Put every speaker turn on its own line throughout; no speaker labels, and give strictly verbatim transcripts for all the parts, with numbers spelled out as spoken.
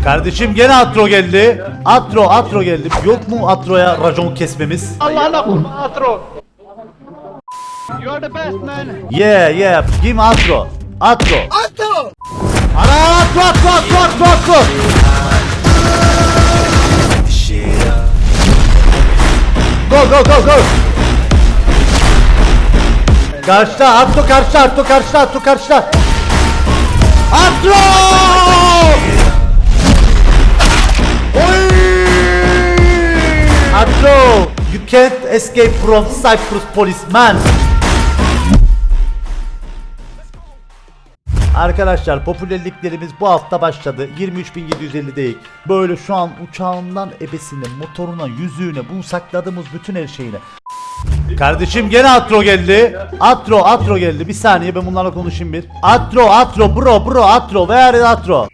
Kardeşim gene Atro geldi. Atro, Atro geldi. Yok mu Atro'ya racon kesmemiz?
Allah'ına kurban Atro. You are the best man.
Yeah, yeah. Give me Atro. Atro. Atro. Ana Atro, Atro, Atro, Atro, Atro. Go, go, go, go. Karşıda, Atro karşıda, Atro karşıda, Atro karşıda. Atro! Oy! Atro, you can't escape from Cyprus policeman. Arkadaşlar popülerliklerimiz bu hafta başladı. yirmi üç bin yedi yüz elli'deyiz. Böyle şu an uçağından ebesine, motoruna, yüzüğüne, bu sakladığımız bütün her şeyine. Kardeşim gene Atro geldi. Atro, Atro geldi. Bir saniye ben bunlarla konuşayım bir. Atro, Atro, bro, bro, Atro. Where is Atro?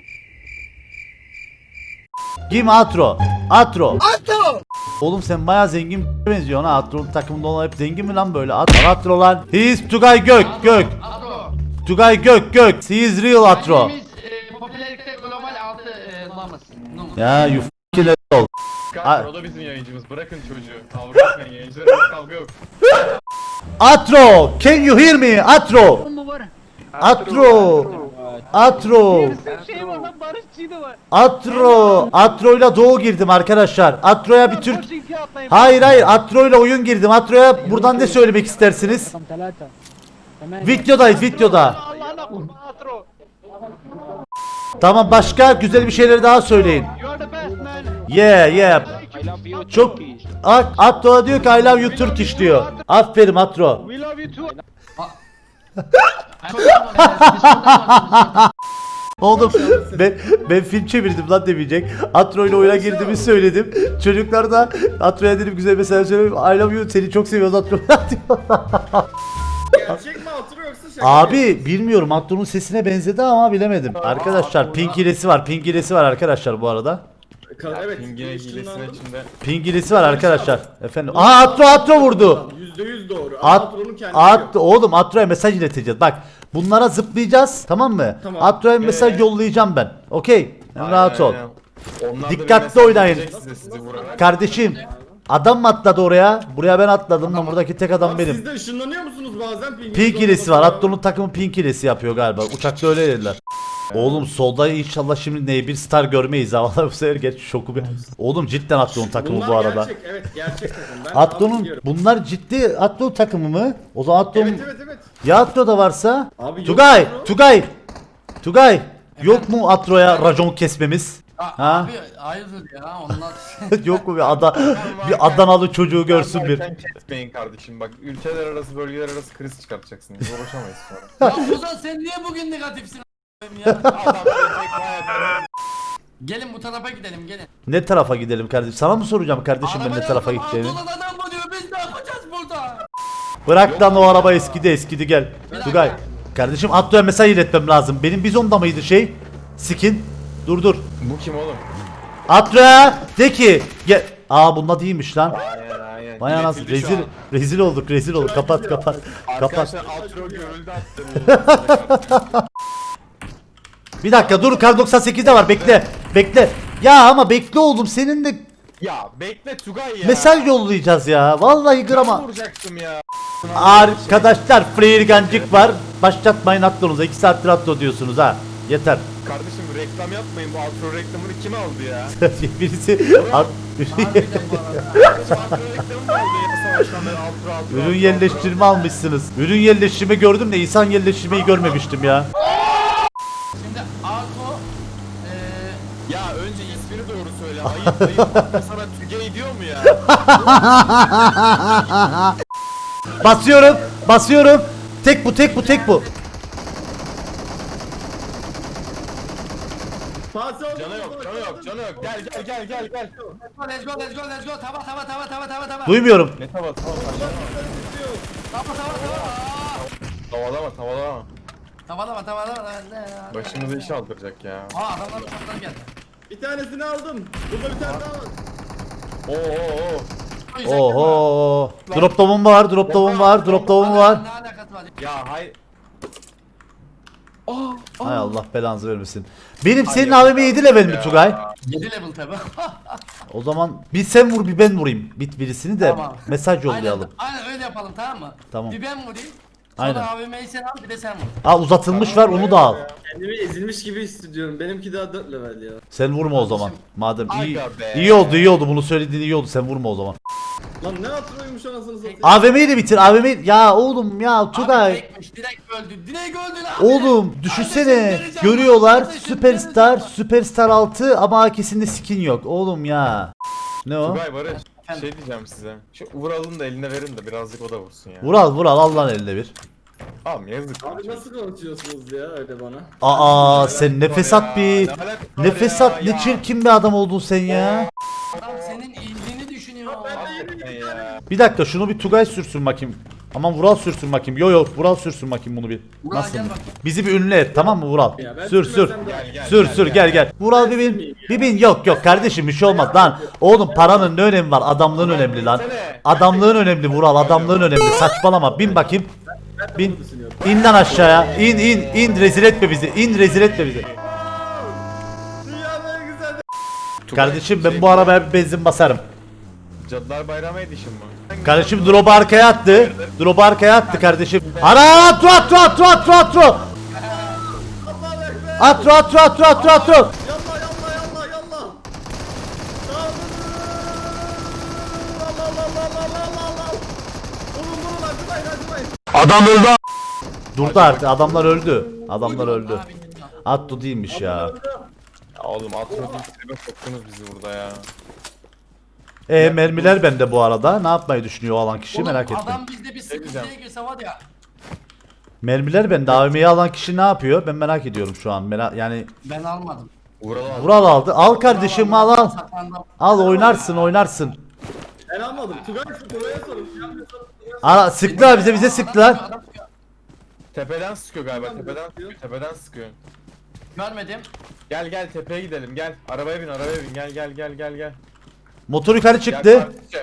Kim Atro? Atro. Atro. Oğlum sen bayağı zengin benziyorsun ha. Atro'nun takımında olan hep zengin mi lan böyle? Atro, Atro lan. He is Tugay Gök, Gök. Tugay Gök, Gök. He is real Atro.
Popülerlikte global altı numaramız.
Ya you f***ing ol.
O da bizim yayıncımız. Bırakın çocuğu. Kavga etmeyin, yayıncılarımız kavga yok.
Atro, can you hear me? Atro. Atro. Atro.
Şey var lan barışçıydı var.
Atro. Atro'yla doğu girdim arkadaşlar. Atro'ya bir Türk... Hayır hayır Atro'yla oyun girdim. Atro'ya buradan ne söylemek istersiniz? Videodayız videoda.
Allah'ına kurban Atro.
Tamam başka güzel bir şeyler daha söyleyin.
You are the best man.
Yeah yeah. Çok... A- Atro diyor ki I love you Turkish diyor. Aferin Atro.
We love you too.
Oğlum ben, ben film çevirdim lan demeyecek. Atro ile oyuna girdiğimi söyledim. Çocuklar da Atro'ya dedim güzel mesaj söyleyeyim. I love you seni çok seviyoruz Atro.
Gerçek mi Atro yoksa şaka mı?
Abi bilmiyorum Atro'nun sesine benzedi ama bilemedim. Arkadaşlar pink hilesi var. Pink hilesi var arkadaşlar bu arada.
Ka- Evet. Pingine hilesine içinde.
Pink hilesi var arkadaşlar. Efendim. Aa Atro Atro vurdu.
yüzde yüz doğru.
At,
Atro'nun kendisi
at,
yok.
oğlum Atro'ya mesaj ileteceğiz. Bak bunlara zıplayacağız tamam mı?
Tamam.
Atro'ya mesaj
Ee?
yollayacağım ben. Okey.
Aynen,
Rahat ol.
aynen. Onlar da bir
Dikkatli
mesaj
oynayın.
verecek size, sizi vurarak.
Kardeşim adam mı atladı oraya? Buraya ben atladım lan buradaki tek adam
Abi
benim.
siz de ışınlanıyor musunuz bazen? Pinginiz
Pink hilesi var.
olmadan?
Atlo'nun takımı pink hilesi yapıyor galiba. Uçakta öyle dediler. Oğlum solda inşallah şimdi ne bir star görmeyiz ha. Vallahi bu sefer geç şoku bir. Oğlum cidden Atlo'nun takımı
Bunlar
bu arada.
gerçek, evet gerçek takım. Ben
Atlo'nun
biliyorum.
bunlar ciddi Atlo takımı mı? O zaman Atlo'nun
Evet evet evet.
ya Atlo'da varsa
Abi yok
Tugay,
Atlo.
Tugay. Tugay yok mu Atro'ya racon kesmemiz? Ha?
Abi hayırdır ya onlar.
Yok mu bir ada bir Adanalı çocuğu görsün bir.
Sen kesmeyin kardeşim bak ülkeler arası bölgeler arası kriz çıkartacaksınız uğraşamayız sonra.
Ya Ozan sen niye bugün negatifsin a**ayım ya?
Adam gelecek bayağı.
Gelin bu tarafa gidelim gelin.
Ne tarafa gidelim kardeşim? Sana mı soracağım kardeşim ben ne
Arabaya
tarafa
oturma,
gideceğimi?
Anadolu adam mı diyor biz ne yapacağız burada?
Bırak lan o araba eskidi eskidi gel. Tugay. Kardeşim Atlo'ya mesaj iletmem lazım. Benim bizonda mıydı şey? Skin. Dur dur.
Bu kim oğlum?
Atlo'ya de ki gel. Aa bunda değilmiş lan.
Aynen aynen.
Vay anasını
İletildi şu
rezil
an.
rezil olduk rezil olduk. Kapat kapat. Kapat.
Arkadaşlar Atro görüldü attı.
Bir dakika dur kar doksan sekizde var bekle. Bekle. Ya ama bekle oğlum senin de
Ya bekle Tugay ya.
mesaj yollayacağız ya. Vallahi grama.
vuracaktım ya.
Arkadaşlar flare gancık var. Başlatmayın Atlo'nuza. iki saattir Atlo diyorsunuz ha. Yeter.
Kardeşim reklam yapmayın bu Atro reklamını kim aldı ya?
Birisi At-
Harbiden bu arada.
Atro reklamı mı aldı ya savaştan beri Atro Atro.
Ürün yerleştirme almışsınız. Ürün yerleştirme gördüm de insan yerleştirmeyi görmemiştim ya.
Şimdi Arto eee
Ya önce ismini doğru söyle. Ayıp ayıp. Atro sana Tugay diyor mu ya?
Basıyorum. Basıyorum. Tek bu tek bu tek bu.
Canı yok canı yok canı yok. Gel gel gel gel gel.
let's go let's go let's go tava tava tava tava tava tava.
Duymuyorum.
Ne tava tava
Tava tava tava.
Tavalama tavalama.
Tavalama tavalama ne ya?
Başımıza iş aldıracak ya.
Aa adamlar uçaktan geldi.
Bir tanesini aldım. Burada bir tane daha var. Oo oo oo.
Oho. Dropta bomba var. Dropta bomba var. Dropta bomba var.
Ne alakası var?
Ya hay.
Hay Allah belanızı vermesin. Benim senin A V M yedi level mi Tugay?
yedi level tabi.
O zaman bir sen vur bir ben vurayım. Bit birisini de
Tamam.
mesaj yollayalım.
Aynen, aynen öyle yapalım tamam mı?
Tamam.
Bir ben vurayım.
Aynen.
Sonra A V M'yi sen al bir de sen vur.
Al uzatılmış var onu da al.
Kendimi ezilmiş gibi hissediyorum. Benimki daha dört level ya.
Sen vurma o zaman. Madem iyi,
Aga be.
iyi oldu iyi oldu bunu söylediğin iyi oldu sen vurma o zaman.
Lan ne hatırlıyormuş anasını satayım.
A V M'yi de bitir A V M'yi. Ya oğlum ya
Abi
Tugay.
direktmiş direkt öldü. Direkt öldü lan.
Oğlum düşünsene görüyorlar Süperstar Süperstar altı ama A K'sinde skin yok oğlum ya. Ne o?
Tugay Barış. Şey diyeceğim size. Şu Vural'ın da eline verin de birazcık o da vursun ya.
Vural Vural al lan eline bir.
Tamam yazık.
Abi nasıl konuşuyorsunuz ya öyle bana?
Aa sen nefes at bir.
Ne alakası var
Nefes
ya,
at ne
ya.
çirkin bir adam oldun sen ya.
Adam senin iyiliğini düşünüyor.
Hakikaten ya.
Bir dakika şunu bir Tugay sürsün bakayım. Aman Vural sürsün bakayım. Yo yo Vural sürsün bakayım bunu bir.
Vural
Nasıl?
gel bakayım.
Bizi bir ünlü et tamam mı Vural?
Ya ben
Sür sür.
sürmesem de-
Gel, gel,
Sür
gel,
sür
gel.
gel gel. Vural bir bin. Bir bin yok yok kardeşim bir şey olmaz lan. Oğlum paranın ne önemi var? Adamlığın önemli lan. Adamlığın önemli Vural. Adamlığın önemli. Saçmalama. Bin bakayım. Bin. İn lan aşağıya. İn in in rezil etme bizi. İn rezil etme bizi.
Dünyanın en güzel.
Kardeşim ben bu arabaya bir benzin basarım.
Cadılar Bayramı Edition mı?
Kardeşim drop'u arkaya attı. Drop'u arkaya attı kardeşim. Ana atro atro atro atro atro. Atro atro atro atro atro.
Yallah yallah yallah yallah. Allah Allah Allah Allah Allah Allah. Vurun vurun acımayın acımayın.
Durdu artık adamlar öldü. Adamlar öldü.
Abi,
Atto değilmiş ya.
Ya oğlum atmadığım tribe soktunuz bizi burada ya.
E mermiler bende bu arada. Ne yapmayı düşünüyor o alan kişi
oğlum,
merak ettim.
Adam bizde bir sıkıntıya girse var ya.
Mermiler bende. A V M'yi alan kişi ne yapıyor? Ben merak ediyorum şu an. Merak yani
Ben almadım.
Vural abi.
Vural aldı. Al kardeşim al al.
Saklandım.
Al oynarsın oynarsın.
Ben almadım. Tugay Tugay'a sorun. Yapmıyorsan Tugay'a sorun.
Ara sıktılar bize bize sıktılar.
Adam sıkıyor.
Tepeden sıkıyor galiba tepeden sıkıyor tepeden sıkıyor.
Görmedim.
Gel gel tepeye gidelim gel. Arabaya bin arabaya bin gel gel gel gel gel.
Motor yukarı
Gel
çıktı.
kardeşim.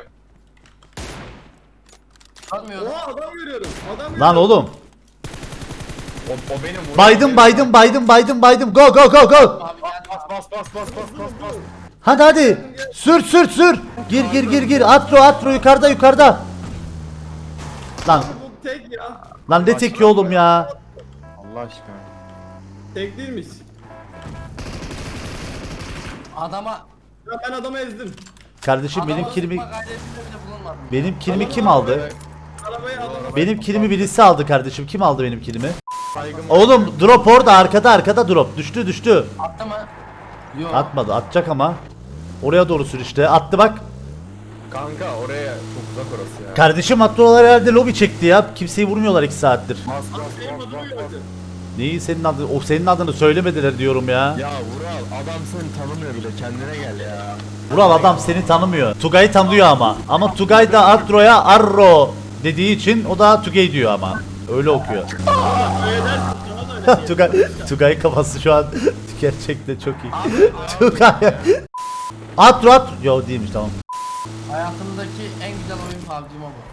Görmüyorum.
Oha adam görüyorum. Adam
Lan oğlum.
O, o benim Vural.
Baydım baydım baydım baydım baydım. Go go go go.
Abi gel.
Bas bas bas bas bas bas bas.
Hadi hadi. Sür sür sür. Gir gir gir gir. Atro atro yukarıda yukarıda. Lan
Bu tek ya.
lan ne tek oğlum ya.
Allah aşkına.
Tek değilmiş.
Adama
Ya ben adamı ezdim.
Kardeşim
adama
benim kilimi
sıkma gayretinde bile bulunmadım.
benim kilimi kim aldı?
Arabayı adamı.
Benim kilimi birisi aldı kardeşim. Kim aldı benim kilimi?
Saygım
Oğlum drop orada arkada arkada drop. Düştü düştü.
Attı mı? Yok.
Atmadı atacak ama. Oraya doğru sür işte. Attı bak.
Kanka oraya çok uzak orası ya.
Kardeşim atlılar herhalde lobi çekti ya. Kimseyi vurmuyorlar iki saattir.
Bas bas
Benim
bas
adamı
bas
gördü.
bas.
Neyi senin adını? O senin adını söylemediler diyorum ya.
Ya Vural adam seni tanımıyor bile kendine gel ya.
Vural adam seni tanımıyor. Tugay'ı tanıyor ama. Ama Tugay da Atro'ya Arro dediği için o da Tugay diyor ama. Öyle okuyor.
Öyle dersin sana da öyle.
Tugay, Tugay kafası şu an gerçekten çok iyi. Tugay. Atro at. Yo değilmiş tamam.
Hayatımdaki en güzel oyun P U B G Mobile.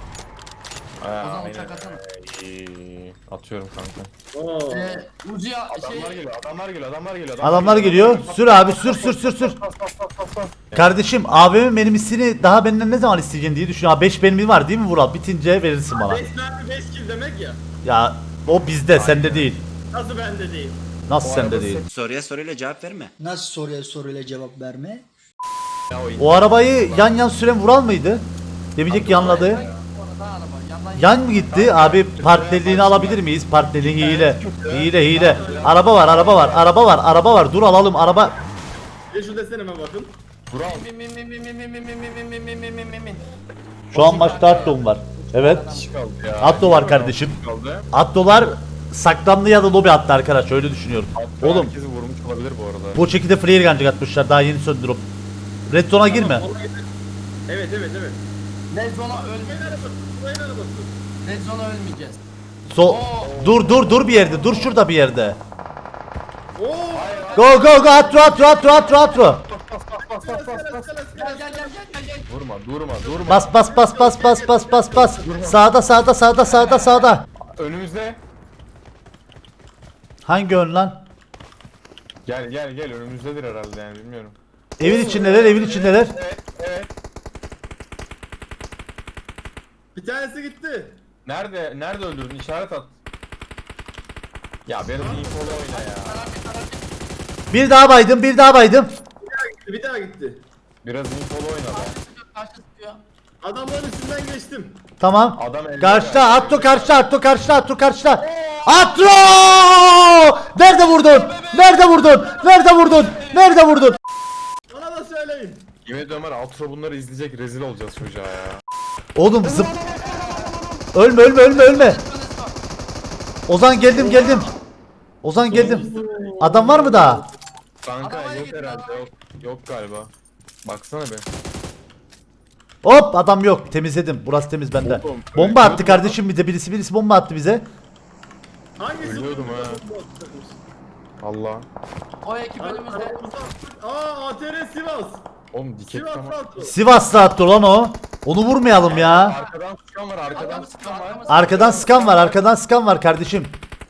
Aa,
O zaman
aynen.
uçak atsana.
İyi. Atıyorum kanka.
Oo.
Ee, Uzi'ya
Adamlar
şey...
geliyor, adamlar geliyor, adamlar geliyor.
Adamlar geliyor. Sür abi sür sür sür sür.
Bas bas bas bas bas.
Kardeşim abimin benim hissini daha benden ne zaman isteyeceksin diye düşünüyorum. beş benim var değil mi Vural? Bitince verirsin bana.
beş mermi beş kill demek ya.
Ya o bizde sende değil.
Nasıl bende değil?
Nasıl
O
sende
araba
değil?
Soruya soruyla cevap verme.
Nasıl soruya soruyla cevap verme?
Ya o
O arabayı yan yan süren Vural mıydı? Demeyecek yanladı.
Orada araba. Yandan
Yan mı gitti? Abi partnerliğini alabilir miyiz? Partnerliği hile. Hile hile. Araba var araba var araba var araba var. Dur alalım araba.
Bir şu desene bakın.
Vural.
Min min min min min min min min min min min min min min min.
Şu an maçta Atto'm var. Evet.
Kişi kaldı ya.
Atto var kardeşim.
Kaldı.
Atto'lar saklandı ya da lobi attı arkadaş öyle düşünüyorum.
Atto
Oğlum
herkesi vurmuş olabilir bu arada.
bu çekide flare gancık atmışlar daha yeni söndürüp. Red zone'a girme.
Evet evet evet.
Red Zone'a ölmeyeceğiz.
Burayın arabası. Burayın arabası.
Red Zone'a ölmeyeceğiz.
So dur dur dur bir yerde dur şurada bir yerde.
Oo.
Go go go atro atro atro atro atro.
Gel gel gel gel gel gel.
Durma, durma, durma.
Bas bas bas bas bas bas bas bas. Sağda sağda sağda sağda sağda.
Önümüzde.
Hangi ön lan?
Gel gel gel önümüzdedir herhalde yani bilmiyorum.
Evin içindeler, evin içindeler.
Evet evet.
Bir tanesi gitti.
Nerede nerede öldürdün işaret at. Ya benim infolu oyna ya.
Bir daha baydım, bir daha baydım.
Bir daha gitti.
Biraz infolu oyna be.
Karşı sıkıyor.
Adamların üstünden geçtim.
Tamam.
Adam elde
Karşıda,
var.
Atto karşıda, Atto karşıda, Atto karşıda. Atto! Nerede vurdun? Nerede vurdun? Nerede vurdun? Nerede vurdun?
Bana da söyleyin.
Yemin ediyorum var Altro bunları izleyecek rezil olacağız çocuğa ya.
Oğlum zıp. Ölme, ölme, ölme, ölme. Ozan geldim, geldim. Ozan geldim. Adam var mı daha?
Kanka
Arabaya
yok
git
herhalde
lan.
yok. Yok galiba. Baksana be.
Hop adam yok. Temizledim. Burası temiz bende.
Oğlum,
Bomba attı
ölüyordum
kardeşim bize. Birisi birisi bomba attı bize.
Hangisi?
Ölüyordum
bu?
ha. Allah.
O ekip önümüzde.
Aramızda- Aa A T R Sivas.
Oğlum dikek
Sivas
tamam.
Altro.
Sivas'ta attı lan o. Onu vurmayalım ya.
Arkadan sıkan var arkadan sıkan var.
Arkadan sıkan var. Arkadan sıkan var kardeşim.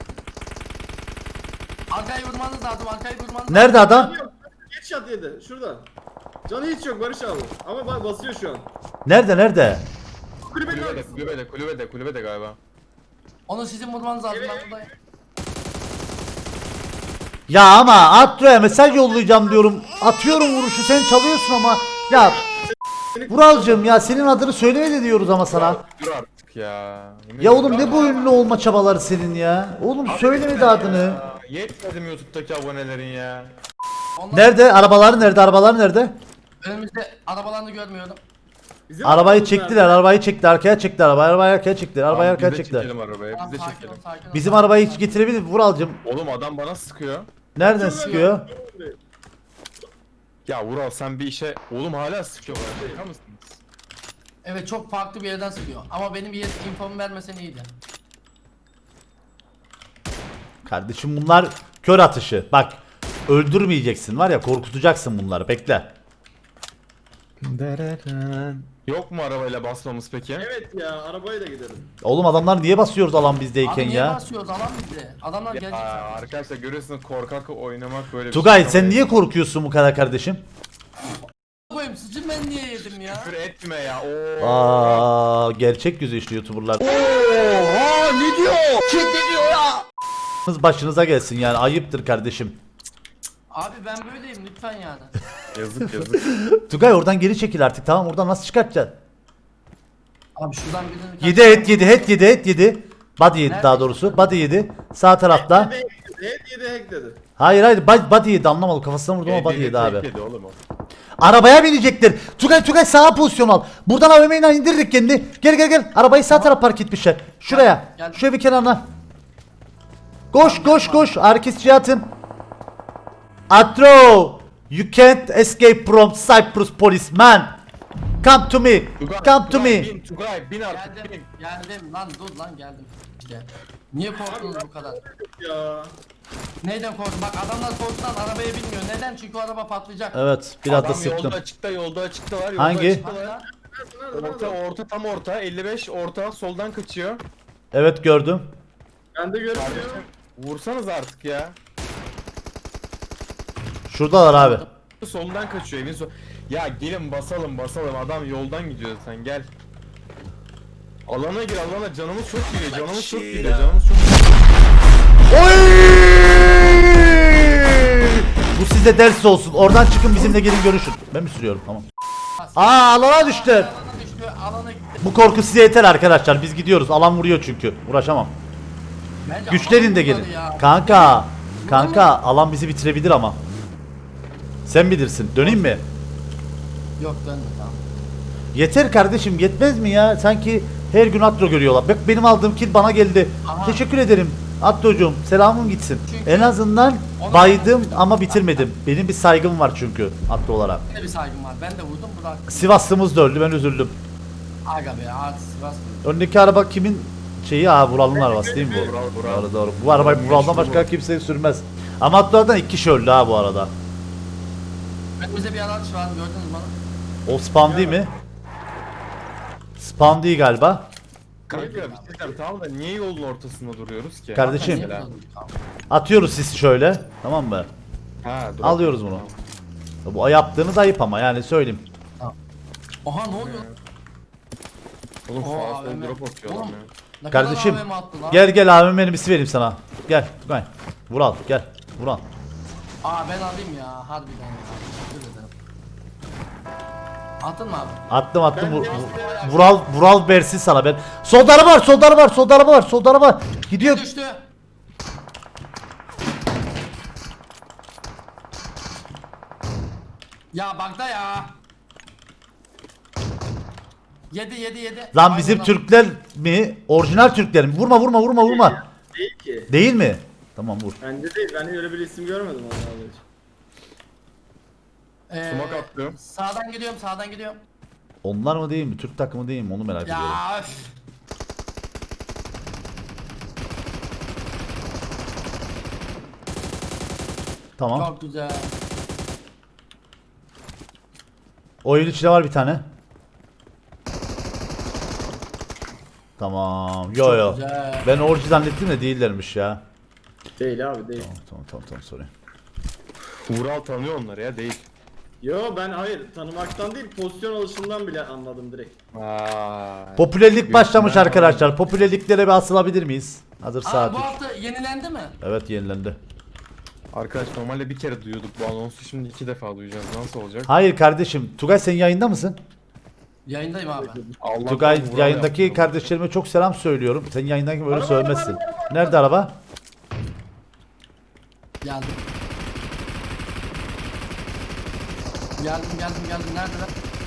Arkayı vurmanız lazım. Arkayı vurmanız lazım.
Nerede adam?
Yok. Geç şat yedi. Şurada. Canı hiç yok Barış abi. Ama bak basıyor şu an.
Nerede nerede?
Kulübenin
Kulübede
arkasında.
kulübede kulübede kulübede galiba.
Onu sizin vurmanız lazım. Ben buradayım.
Ya ama Atro'ya mesaj yollayacağım diyorum. Atıyorum vuruşu sen çalıyorsun ama. Ya Vuralcığım ya senin adını söylemedi diyoruz ama sana.
Dur artık ya. Yemin
Ya oğlum
ediyorum.
ne bu ünlü olma çabaları senin ya? Oğlum söylemedi adını.
Ya, Yetmedi mi YouTube'daki abonelerin ya?
Onlar
Nerede? Arabalar nerede? Arabalar nerede?
önümüzde arabalarını görmüyorum.
Bizim
Arabayı
arabamız
çektiler.
nerede?
Arabayı çekti. Arkaya çekti arabayı. Arabayı arkaya çektiler. Arabayı
Tamam,
arkaya
biz de
çektiler.
çekelim arabaya
Tamam,
biz de
sakin ol,
çekelim.
sakin ol.
Bizim arabayı hiç getirebilir mi? Vuralcığım.
Oğlum adam bana sıkıyor.
Nereden sıkıyor?
Ya Vural sen bir işe... Oğlum hala sıkıyor bana. Şaka mısınız?
Evet çok farklı bir yerden sıkıyor. Ama benim bir yer infomu vermesen iyiydi.
Kardeşim bunlar kör atışı. Bak öldürmeyeceksin var ya korkutacaksın bunları. Bekle.
Yok mu arabayla basmamız peki?
Evet ya arabayla gidelim.
Oğlum adamlar niye basıyoruz alan bizdeyken
Abi niye
ya?
basıyoruz alan bizi? Adamlar gelecek
Aa,
zaten.
arkadaşlar görüyorsunuz korkak oynamak böyle bir
Tugay
şey.
sen niye korkuyorsun bu kadar kardeşim?
Koyayım sıcı ben niye yedim ya?
Küfür etme ya. Oo.
Aa gerçek yüzü işte YouTuber'lar. Kız başınıza gelsin yani ayıptır kardeşim.
Abi ben böyleyim lütfen yani.
Yazık yazık.
Tugay oradan geri çekil artık tamam oradan nasıl çıkartacaksın?
Abi şuradan birini...
Yedi et yedi et yedi et yedi. Body yedi daha doğrusu. Body yedi. Sağ tarafta.
Evet yedi hack dedi.
Hayır hayır body body yedi anlamadım kafasına vurdum ama body
Yedi,
yedi abi.
tek yedi oğlum o.
Arabaya binecektir. Tugay Tugay sağa pozisyon al. Buradan A V M'yle indirdik kendini. Gel gel gel. Arabayı sağ taraf park etmişler. Şuraya.
Gel.
Şöyle bir kenarına. Koş koş koş. Arkesçiye atın. Atro. You can't escape from Cyprus policeman. Come to me.
Tugay,
Come to
Tugay,
me.
Bin, Tugay bin artık
Geldim,
bin.
geldim lan dur lan geldim. İşte. Niye korktunuz bu kadar?
Ya.
Neyden korktun? Bak adamlar korkudan arabaya binmiyor. Neden? Çünkü o araba patlayacak.
Evet biraz da
Adam
sıktım.
yolda açıkta yolda açıkta var. Yolda
Hangi?
açıkta
Hadi
var.
lan.
Orta orta tam orta elli beş orta soldan kaçıyor.
Evet gördüm.
Ben de görmüyorum.
Kardeşim vursanız artık ya.
Şuradalar abi.
Soldan kaçıyor evin sol. Ya gelin basalım basalım adam yoldan gidiyor sen gel. Alana gir alana canımız çok gidiyor canımız çok gidiyor canımız çok gidiyor.
Oy! Bu size ders olsun. Oradan çıkın bizimle gelin görüşün. Ben mi sürüyorum? Tamam. Aa alana düştü.
Alana düştü. Alana gitti.
Bu korku size yeter arkadaşlar. Biz gidiyoruz. Alan vuruyor çünkü. Uğraşamam.
Bence
Güçlerin de
alan
gelin.
vurmadı ya.
Kanka. Kanka alan bizi bitirebilir ama. Sen bilirsin. Döneyim mi?
Yok dönme tamam.
Yeter kardeşim yetmez mi ya? Sanki her gün Atro görüyorlar. Bak benim aldığım kill bana geldi.
Aha.
Teşekkür ederim. Atrocuğum selamın gitsin.
Çünkü-
En azından
Ona-
baydım ama bitirmedim. Benim bir saygım var çünkü Atro olarak.
Yine bir saygım var. Ben de vurdum bırak.
Sivaslımız da öldü ben üzüldüm.
Aga be artık Sivas.
Öndeki araba kimin şeyi? Aa Vural'ın arabası değil mi bu?
Vural, Vural.
Doğru doğru. Bu arabayı Vural'dan başka kimse sürmez. Ama Atlar'dan iki kişi öldü ha bu arada.
Önümüzde bir araç var gördünüz mü onu?
O spam değil mi? Spam değil galiba.
Kanka bir şey diyeceğim tamam da niye yolun ortasında duruyoruz ki?
Kardeşim.
Niye
Mesela.
vurdun? Tamam.
Atıyoruz sisi şöyle. Tamam mı?
Ha, dur.
Alıyoruz bunu. Bu yaptığınız ayıp ama yani söyleyeyim.
Oha ne oluyor?
Oğlum
Oo,
sağa
A V M.
sol drop atıyor adam
Oğlum,
ya.
Ne
Kardeşim
kadar A V M attı lan?
gel gel abim benim bir vereyim sana. Gel Tugay. Vural gel. Vural.
Aa ben alayım ya harbiden ya. Teşekkür ederim. Attın mı abi?
Attım attım.
Ben
Vur,
de
vur- Vural Vural versin sana ben. Solda araba var, solda araba var, solda araba var, solda araba. Gidiyor.
Düştü. Ya bakta ya. Yedi yedi yedi.
Lan bizim
Aynen.
Türkler mi? Orijinal Türkler mi? Vurma vurma vurma vurma.
Değil ki.
Değil mi? Tamam vur.
Bende değil. Ben öyle bir isim görmedim onlarla hiç.
Ee,
Sumak attım.
Sağdan gidiyorum sağdan gidiyorum.
Onlar mı değil mi? Türk takımı değil mi? Onu merak ediyorum.
Ya öf.
Tamam.
Çok güzel.
Oyun içinde var bir tane. Tamam. Yo yo.
güzel.
Ben orijinal zannettim de değillermiş ya.
Değil abi değil.
Tamam tamam tamam sorry.
Vural tanıyor onları ya değil.
Yo ben hayır tanımaktan değil pozisyon alışından bile anladım direkt.
Vay.
Popülerlik başlamış
Gökmen
arkadaşlar. Popülerliklere bir asılabilir miyiz? Hazır
Aa,
saat
bu
üç.
hafta yenilendi mi?
Evet yenilendi.
Arkadaş normalde bir kere duyuyorduk bu anonsu, şimdi iki defa duyacağız. Nasıl olacak?
Hayır kardeşim. Tugay sen yayında mısın?
Yayındayım abi.
Allah'tan
Tugay
Vural
yayındaki
yaptı.
kardeşlerime çok selam söylüyorum. Sen yayındaki böyle söylemezsin. Nerede araba?
Geldim. Geldim geldim geldim neredeler?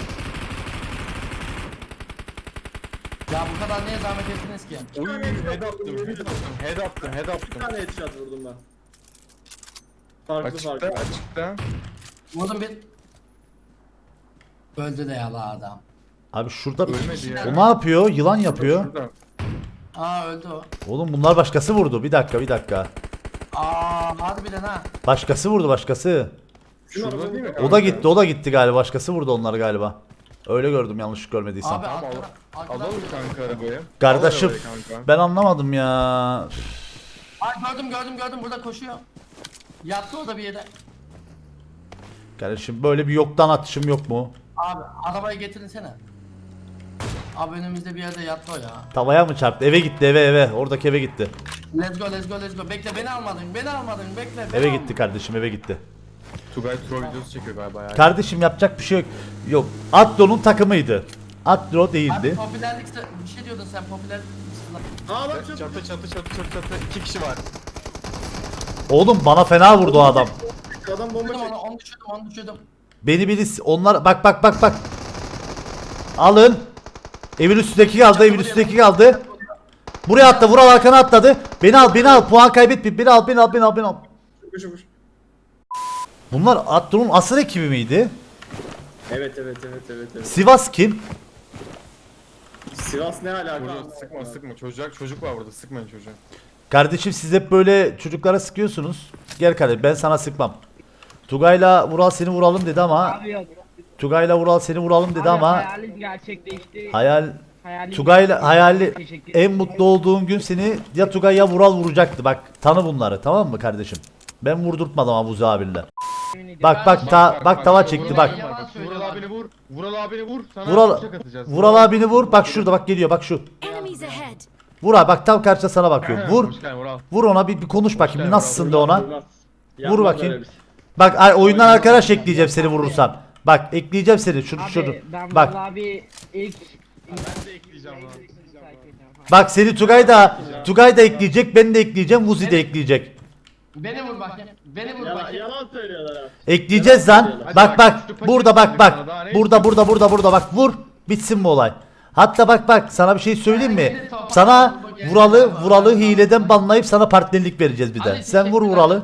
Ya bu kadar niye zahmet ettiniz ki?
Oy head attım, head attım, head attım, head
Bir
attım.
tane headshot vurdum ben. Farklı
Açıkta,
farklı.
açıkta.
Vurdum bir. Öldü de yala adam.
Abi şurada
Ölmedi ya.
o ne yapıyor? Yılan yapıyor.
Şurada.
Aa öldü o.
Oğlum bunlar başkası vurdu. Bir dakika bir dakika.
Aa harbiden ha.
Başkası vurdu başkası.
Şurada değil mi?
O da gitti o da gitti galiba. Başkası vurdu onları galiba. Öyle gördüm yanlış görmediysem.
Abi
Tamam,
arkadan.
al-
arkadan
Alalım
vurdu.
kanka arabayı.
Kardeşim
Al arabayı kanka.
ben anlamadım ya.
Ay gördüm gördüm gördüm burada koşuyor. Yattı o da bir yere.
Kardeşim böyle bir yoktan atışım yok mu?
Abi arabayı getirinsene. Abi önümüzde bir yerde yattı o ya.
Tavaya mı çarptı? Eve gitti eve eve. Oradaki eve gitti.
Let's go let's go let's go. Bekle beni almadın beni almadın bekle. beni
Eve
almadın.
gitti kardeşim eve gitti.
Tugay troll videosu çekiyor galiba ya.
Kardeşim yapacak bir şey yok. Yok. Atlo'nun takımıydı. Atlo
Abi
değildi.
popülerlik bir şey diyordun sen popülerlik.
Aa bak
Çatı
çok
çatı çatı çatı çatı çatı. İki kişi var.
Oğlum bana fena vurdu o adam.
adam bomba
Düşürdüm
çekti.
onu onu düşürdüm onu düşürdüm.
Beni birisi onlar bak bak bak bak. Alın. Evin üstündeki kaldı, evin üstündeki kaldı. Buraya atla, Vural arkana atladı. Beni al, beni al. Puan kaybetme. Beni al, beni al, beni al, beni al.
Şukuş şukuş.
Bunlar Atlo'nun asıl ekibi miydi?
Evet evet evet evet evet.
Sivas kim?
Sivas ne alaka?
Burada sıkma sıkma. Çocuk çocuk var burada. Sıkmayın çocuğa.
Kardeşim siz hep böyle çocuklara sıkıyorsunuz. Gel kardeşim ben sana sıkmam. Tugay'la Vural seni vuralım dedi ama
Abi yok.
Tugay'la Vural seni vuralım dedi
Abi
ama
hayalim gerçekleşti.
hayal
Hayalim
Tugay'la
gerçekleşti.
hayali
Teşekkür
en
ederim.
mutlu olduğun gün seni ya Tugay ya Vural vuracaktı. Bak tanı bunları tamam mı kardeşim? Ben vurdurtmadım Abuzi abinle.
Yemin ediyorum.
Bak bak ta bak tava çekti bak.
Yalan söylüyor
Vural
abi.
abini vur. Vural abini vur. Sana
Vural
bıçak atacağız.
Vural abini vur. Bak şurada bak geliyor bak şu.
Enemies ahead.
Vur abi bak tam karşıda sana bakıyor. Vur.
Hoş geldin Vural.
Vur ona bir, bir konuş bakayım. Bir
geldin,
nasılsın de ona.
Vurmaz.
Vur
Yapmaz
bakayım.
öyle bir şey.
Bak ay- oyundan arkadaş ekleyeceğim seni vurursam. Bak ekleyeceğim seni şunu
Abi
şunu.
ben
Bak
vallahi bir ilk
Ben de ekleyeceğim lan.
bak seni Tugay da Tugay da ekleyecek ben de ekleyeceğim Vuzi de ekleyecek.
Beni vur bakayım. Beni vur
Yalan,
bakayım.
yalan söylüyorlar abi.
Ekleyeceğiz lan.
Hadi
Bak
bak,
bak
üstü paket
burada bak
yaptık
bak.
sana, daha ne
Burada burada burada burada bak vur. Bitsin bu olay. Hatta bak bak sana bir şey söyleyeyim mi? Sana Vural'ı Vural'ı hileden banlayıp sana partnerlik vereceğiz bir de. Sen vur Vural'ı.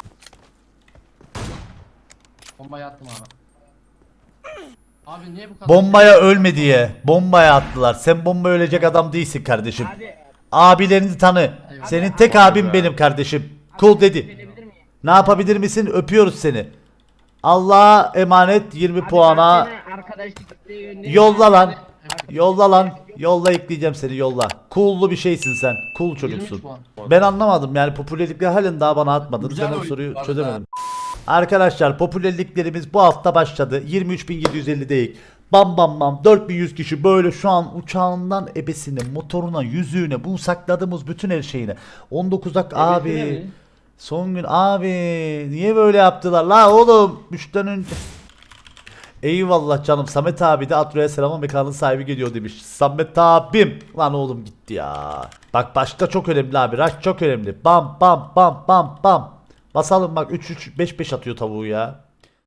Bombayı attım abi. Abi niye bu kadar?
Bombaya ölme diye. Bombaya attılar. Sen bomba ölecek adam değilsin kardeşim.
Abi
Abilerini tanı. Senin tek abin benim kardeşim. Cool dedi.
verebilir miyim?
Ne yapabilir misin? Öpüyoruz seni. Allah'a emanet yirmi
Abi
puana.
ben seni arkadaşlık isteği yönlendirdim.
Yolla lan. Yolla lan. Yolla ekleyeceğim seni yolla. Cool'lu bir şeysin sen. Cool çocuksun.
yirmi üç puan.
Ben anlamadım yani popülerlikle halen daha bana atmadın.
Güzel
Ben o
oyun
soruyu
bu arada.
çözemedim. Arkadaşlar popülerliklerimiz bu hafta başladı. yirmi üç bin yedi yüz elli değil. Bam bam bam dört bin yüz kişi böyle şu an uçağından ebesine, motoruna, yüzüğüne, bu sakladığımız bütün her şeyine. on dokuz dakika abi.
mi?
Son gün abi niye böyle yaptılar la oğlum? Müşten önce. Eyvallah canım. Samet abi de Atro'ya selamın mekanın sahibi geliyor demiş. Samet abim. Lan oğlum gitti ya. Bak başta çok önemli abi. Rush çok önemli. Bam bam bam bam bam. Basalım bak üç üç beş beş atıyor tavuğu ya.